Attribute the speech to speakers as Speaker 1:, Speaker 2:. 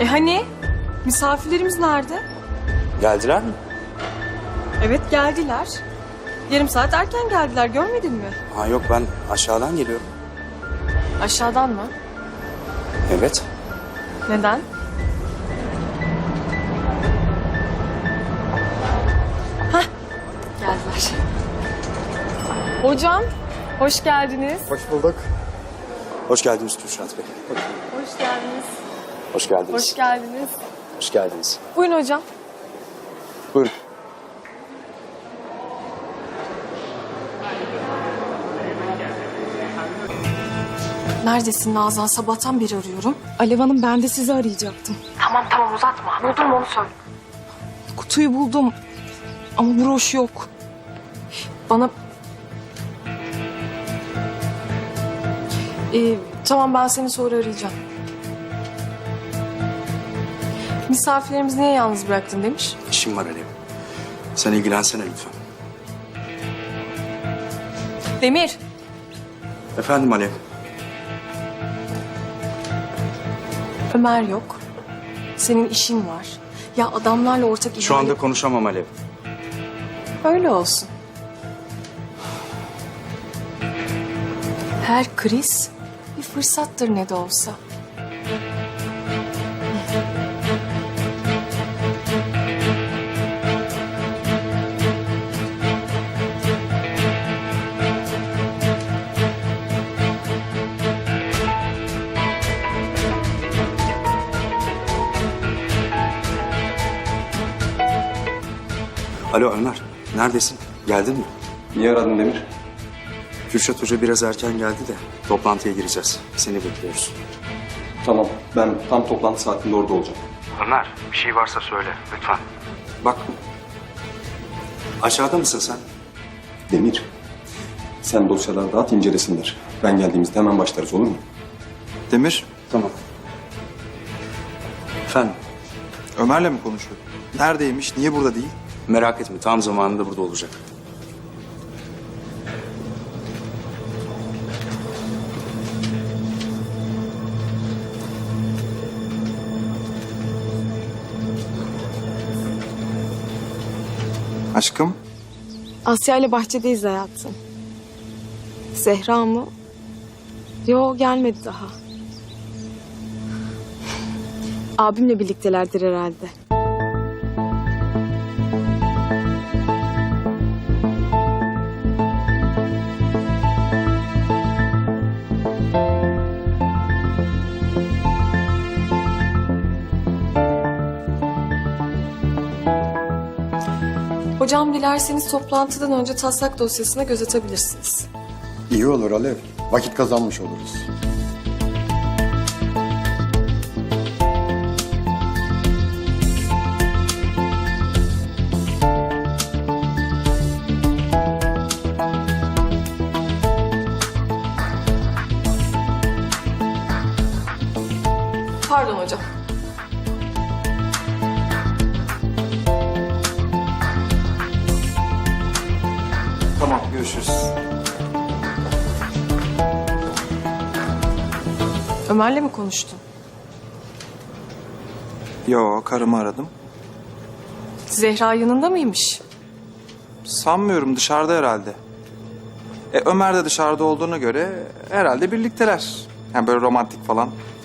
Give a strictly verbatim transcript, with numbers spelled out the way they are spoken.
Speaker 1: E hani? Misafirlerimiz nerede?
Speaker 2: Geldiler mi?
Speaker 1: Evet geldiler. Yarım saat erken geldiler, görmedin mi?
Speaker 2: Ha yok, ben aşağıdan geliyorum.
Speaker 1: Aşağıdan mı?
Speaker 2: Evet.
Speaker 1: Neden? Hah, geldiler. Hocam, hoş geldiniz.
Speaker 3: Hoş bulduk.
Speaker 2: Hoş geldiniz Kürşat Bey.
Speaker 1: Hoş geldiniz.
Speaker 2: Hoş geldiniz.
Speaker 1: Hoş geldiniz.
Speaker 2: Hoş geldiniz.
Speaker 1: Buyurun hocam.
Speaker 2: Buyurun.
Speaker 1: Neredesin Nazan? Sabahtan beri arıyorum.
Speaker 4: Alev Hanım, ben de sizi arayacaktım.
Speaker 1: Tamam tamam uzatma. Buldun mu onu söyle.
Speaker 4: Kutuyu buldum ama broş yok.
Speaker 1: Bana... Ee, tamam ben seni sonra arayacağım. Misafirlerimizi niye yalnız bıraktın demiş.
Speaker 2: İşim var Alev. Sen ilgilensene lütfen.
Speaker 1: Demir.
Speaker 2: Efendim Alev.
Speaker 1: Ömer yok. Senin işin var. Ya adamlarla ortak
Speaker 2: Şu anda
Speaker 1: ihale-
Speaker 2: konuşamam Alev.
Speaker 1: Öyle olsun. Her kriz bir fırsattır ne de olsa.
Speaker 2: Alo Ömer, neredesin? Geldin mi?
Speaker 3: Niye aradın Demir?
Speaker 2: Kürşat Hoca biraz erken geldi de toplantıya gireceğiz. Seni bekliyoruz.
Speaker 3: Tamam, ben tam toplantı saatinde orada olacağım.
Speaker 2: Ömer, bir şey varsa söyle lütfen. Bak, aşağıda mısın sen?
Speaker 3: Demir, sen dosyaları dağıt, incelesinler. Ben geldiğimizde hemen başlarız, olur mu?
Speaker 5: Demir,
Speaker 2: Tamam. Efendim,
Speaker 5: Ömer'le mi konuşuyor? Neredeymiş, niye burada değil?
Speaker 2: merak etme, tam zamanında burada olacak.
Speaker 5: Aşkım,
Speaker 4: Asya ile bahçedeyiz hayatım. Zehra mı? Yo, gelmedi daha. Abimle birliktelerdir herhalde.
Speaker 1: Hocam dilerseniz toplantıdan önce taslak dosyasına göz atabilirsiniz.
Speaker 6: İyi olur Alev. Vakit kazanmış oluruz.
Speaker 1: Pardon hocam.
Speaker 5: tamam görüşürüz.
Speaker 1: Ömer'le mi konuştun?
Speaker 5: Yo, karımı aradım.
Speaker 1: Zehra yanında mıymış?
Speaker 5: Sanmıyorum, dışarıda herhalde. E, Ömer de dışarıda olduğuna göre herhalde birlikteler. Yani böyle romantik falan.